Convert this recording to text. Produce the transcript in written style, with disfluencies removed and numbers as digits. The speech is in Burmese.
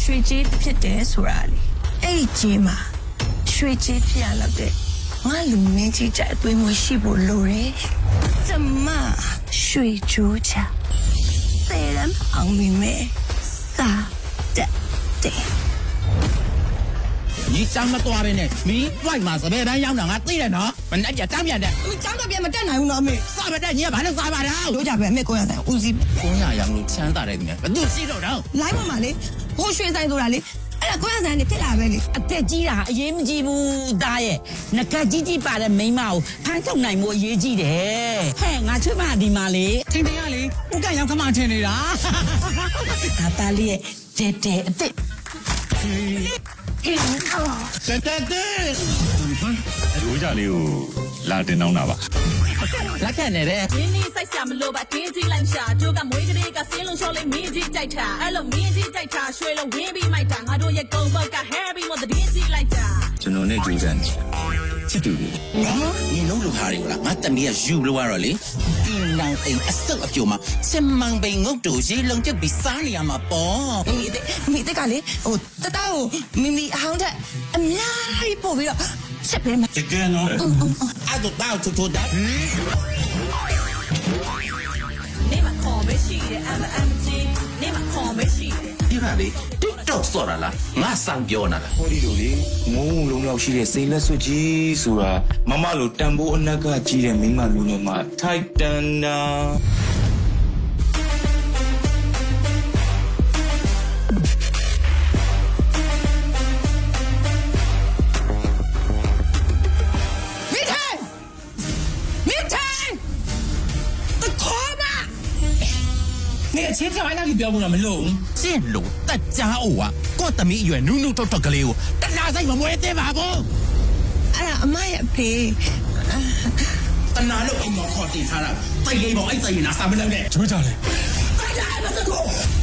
ရွှေကြီးဖြစ်တယ်ဆိုတာလေအဲ့ဒီကြီးမှာရွှေကြီးဖြစ်ရလောက်တဲ့ငါလူမင်းကြီးကြအသွေးမွေးရှိဖို့လိုတယ်ကျမရွှေကြိုးချသေရန်အောင်မိမဲစာတက်တဲ့你长得多呗呢？你外嘛是别人养的，俺对了喏，本来就长面的。 你长得变没တက်နိုင်ဘူးနော်မေ啥不得？你也把那啥把了？ တို့ကြပဲအမေကိုရဆိုင်ဦးစီး公鸭养路钱大来的呢，都洗着着。 လိုင်းပေါ်မှာလေဟိုရွှေဆိုင်ဆိုတာလေအဲ့ဒါကိုရဆိုင်နေဖြစ်လာပဲလေအသက်ကြီးတာအရေးမကြီးဘူးသားရဲ့ငကကြီးကြီးပါတဲ့မိန်းမကိုဖမ်းထုတ်နိုင်မှုအရေးကြီးတယ်ဟဲ့ငါချွတ်မဒီမှာလေထင်တယ်ရလေဥကရောက်ခမထင်နေတာငါသားလေးရဲ့တဲတဲအသက်တဲရိုးကြလေးကိုလာတင်တော့တာပါလက်ခံနေတယ်ရင်းနှီးစိုက်စရာမလိုပါတင်းကြီးလိုက်ရှာတို့ကမွေးကလေးကစင်းလုံးလျှော်လေးမင်းကြီးကြိုက်တာအဲ့လိုမင်းကြီးကြိုက်တာရွှေလုံးဝင်းပြီးမိုက်တာငါတို့ရဲ့ကုန်းဘက်က Harry မတဲ့တင်းကြီးလိုက်တာကျွန်တော်နဲ့ကြိုးစားနေချစ်တူတယ်你弄路哈的啦，俺等你也修了完了嘞。你能等一手一脚嘛，千万别我做些人就比啥你嘛包。 မိတက်ကလေဟိုတတကိုမိမိအဟောင်းတက်အများကြီးပို့ပြီးတော့ချက်ပေးမှာ这个呢，俺都到处的。 你嘛ခေါ်မရှိတဲ့ MMG 你嘛ခေါ်မရှိတဲ့你看嘞，TikTok 说了啦，俺上标呢啦。 ဟောဒီလိုလေငုံလုံးလောက်ရှိတဲ့စိတ်လက်စွပ်ကြီးဆိုတာမမလိုတန်ဖိုးအနက်ကကြီးတဲ့မိန်းမမျိုးနဲ့မှထိုက်တန်တာ你个钱条还让你标不那么弄？这路大家伙啊，我等你远努努tot tot个了，但哪在我没得嘛不？ အဲ့ဒါအမရဲ့ဖေ但哪路我靠地他了，再给我一再拿三百两的， ချိုးကြလေ再来吧这个。